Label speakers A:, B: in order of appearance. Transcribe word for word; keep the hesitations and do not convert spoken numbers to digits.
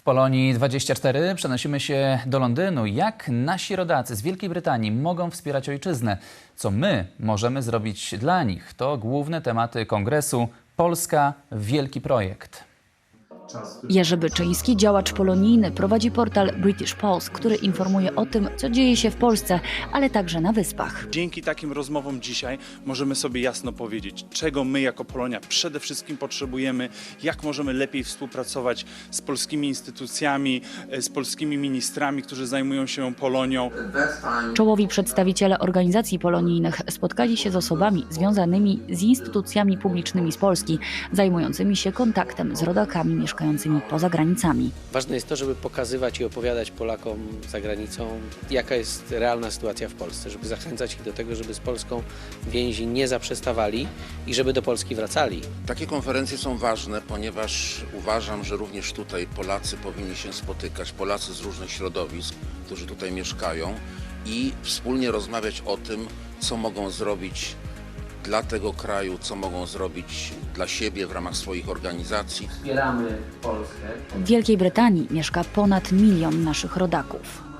A: Polonii dwadzieścia cztery przenosimy się do Londynu. Jak nasi rodacy z Wielkiej Brytanii mogą wspierać ojczyznę? Co my możemy zrobić dla nich? To główne tematy kongresu Polska Wielki Projekt.
B: Jerzy Byczyński, działacz polonijny, prowadzi portal British Pulse, który informuje o tym, co dzieje się w Polsce, ale także na Wyspach.
C: Dzięki takim rozmowom dzisiaj możemy sobie jasno powiedzieć, czego my jako Polonia przede wszystkim potrzebujemy, jak możemy lepiej współpracować z polskimi instytucjami, z polskimi ministrami, którzy zajmują się Polonią.
B: Czołowi przedstawiciele organizacji polonijnych spotkali się z osobami związanymi z instytucjami publicznymi z Polski, zajmującymi się kontaktem z rodakami mieszkającymi poza granicami.
D: Ważne jest to, żeby pokazywać i opowiadać Polakom za granicą, jaka jest realna sytuacja w Polsce, żeby zachęcać ich do tego, żeby z Polską więzi nie zaprzestawali i żeby do Polski wracali.
E: Takie konferencje są ważne, ponieważ uważam, że również tutaj Polacy powinni się spotykać, Polacy z różnych środowisk, którzy tutaj mieszkają i wspólnie rozmawiać o tym, co mogą zrobić dla tego kraju, co mogą zrobić dla siebie w ramach swoich organizacji.
D: Wspieramy Polskę.
B: W Wielkiej Brytanii mieszka ponad milion naszych rodaków.